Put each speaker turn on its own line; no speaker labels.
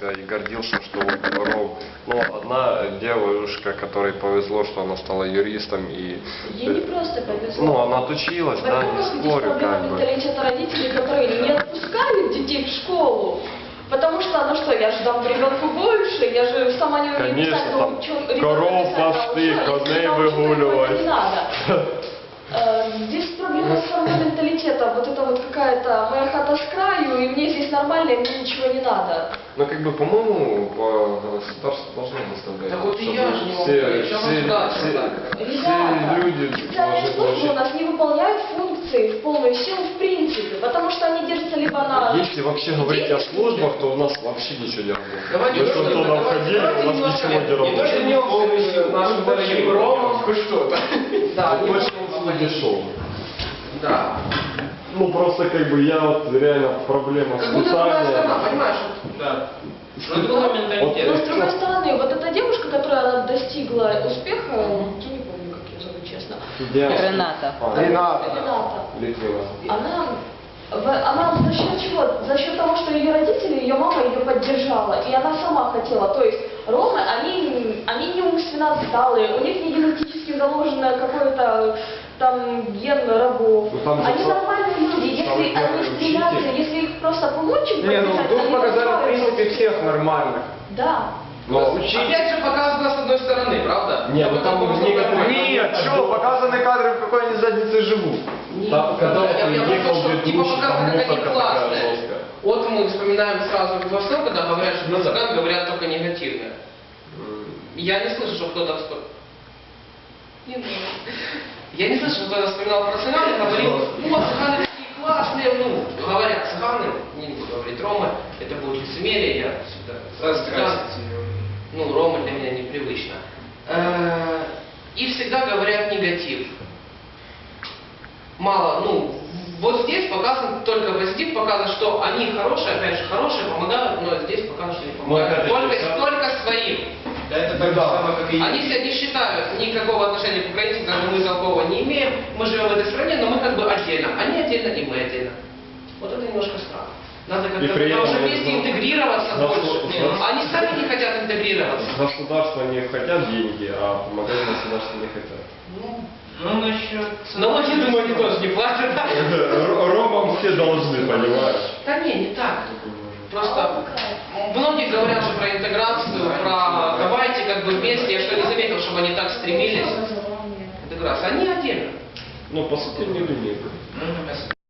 себя и гордился, что вот Ром. Ну, одна девушка, которой повезло, что она стала юристом и...
Ей не просто повезло.
Ну, она отучилась, да, не
Во-первых, здесь
спорю,
проблема
как бы.
менталитета родителей, которые не отпускают детей в школу. Потому что, ну что, я же дам ребенку больше, я же сама не умею
Конечно,
писать,
там
ребенка
коров
писать
пасти,
научу, а
коней
если научу, то ему это
выгуливать.
не надо. Здесь проблема с формой менталитета, вот это вот какая-то моя хата с краю, и мне здесь нормально, и мне ничего не надо.
Ну, как бы, по-моему, по государству должно выставлять.
Так вот и
чтобы
я же не могу
все,
говорить, что государство так.
Ребята,
люди
официальные
должны
службы у
получить.
нас не выполняют функции в полную силу в принципе, потому что они держатся либо на...
Если вообще говорить о службах, то у нас вообще ничего не работает.
Давайте
Мы с
немножко,
Антоном
давайте
ходили, у нас
немножко,
ничего не
не то, что
работает.
не нашим дорогим ромам, хоть что-то. Да,
Ну, точно он дешевый.
Да.
Ну, просто как бы я вот реально проблема
Как будто другая страна,
воспитания.
понимаешь?
Да. Но другой
Но
менталитет.
с другой стороны, вот эта девушка, которая она достигла успеха, я не помню, как ее зовут, честно,
Рената.
Рената,
Литвина.
она за счет чего? За счет того, что ее родители, ее мама ее поддержала, и она сама хотела. То есть ромы, они не умственно отсталые, у них не генетически заложено какой-то там ген рабов.
Ну, там же
Они
сам-
нормальные люди, если
самый
они
первый
стремятся,
учитель.
если их просто получим,
Не, ну
поддержать,
тут
они
показали, в
построят.
принципе, всех нормальных.
Да.
Но
Опять же показано с одной стороны, правда?
Не, ну там некоторые-
Нет, что, показаны кадры, в какой они заднице живут.
там, когда вот
Я
приехал
просто, что типа
ведущий, там
показано, как они
музыка такая
классные.
жесткая.
Вот мы вспоминаем сразу во всем, когда говорят, что
Ну да.
цыган говорят только негативное. Я не слышу, что кто-то Не надо. Я не слышу, что кто-то вспоминал про цыган и говорил, вот цыганы такие классные, ну, говорят цыганы, не буду говорить ромы, это будет лицемерие, я всегда цыган, ну, ромы для меня непривычно. И всегда говорят негатив. Мало, ну, вот здесь показан только позитив, показано, что они хорошие, опять же, хорошие, помогают, но здесь показано, что не помогают. Только своим.
Да это так же самое, как и
Они себя не считают, никакого отношения к украинцам, даже мы такого не имеем. Мы живем в этой стране, но мы как бы отдельно. Они отдельно, и мы отдельно. Вот это немножко странно. Надо
И
как-то
при этом
уже
они
вместе
зна-
интегрироваться
зна-
больше.
зна-
Они сами не хотят интегрироваться.
Государство не хотят деньги, а помогать государству не хотят.
Ну, насчет...
Но вот я думаю, они тоже не платят.
Ромам все должны, понимаешь?
Да не так. Просто многие говорят же про интеграцию, про давайте как бы вместе. Я что не заметил, чтобы они так стремились. Интеграция. Они отдельно.
Ну, по сути, не люди.